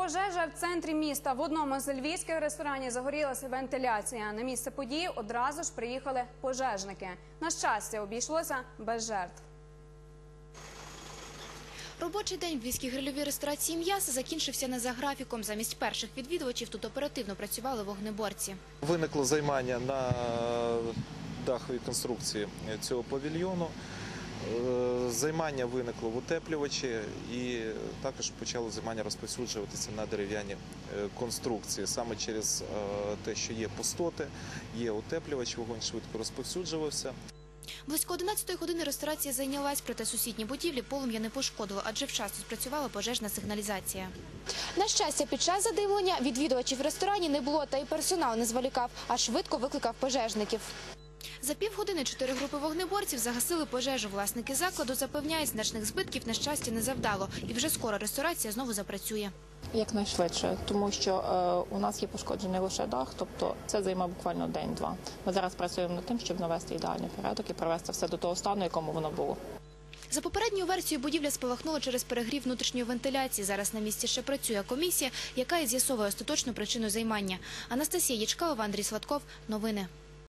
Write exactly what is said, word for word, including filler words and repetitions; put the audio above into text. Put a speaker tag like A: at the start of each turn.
A: Пожежа в центрі міста. В одному з львівських ресторанів загорілася вентиляція. На місце події одразу ж приїхали пожежники. На щастя, обійшлося без жертв.
B: Робочий день в львівській грильовій ресторації «М'ясо» закінчився не за графіком. Замість перших відвідувачів тут оперативно працювали вогнеборці.
C: Виникло займання на даховій конструкції цього павільйону. Займання виникло в утеплювачі і також почало займання розповсюджуватися на дерев'яні конструкції. Саме через те, що є пустоти, є утеплювач, вогонь швидко розповсюджувався.
B: Близько одинадцятої години ресторація зайнялась, проте сусідні будівлі полум'я не пошкодило, адже вчасно спрацювала пожежна сигналізація. На щастя, під час задимлення відвідувачів в ресторані не було, та й персонал не зволікав, а швидко викликав пожежників. За півгодини чотири групи вогнеборців загасили пожежу. Власники закладу запевняють, значних збитків, на щастя, не завдало. І вже скоро ресторація знову запрацює.
D: Якнайшвидше, тому що е, у нас є пошкоджений лише дах, тобто це займе буквально день-два. Ми зараз працюємо над тим, щоб навести ідеальний порядок і привести все до того стану, якому воно було.
B: За попередньою версією, будівля спалахнула через перегрів внутрішньої вентиляції. Зараз на місці ще працює комісія, яка і з'ясовує остаточну причину займання. Анастасія Ячкалова, Андрій Сладков. Новини.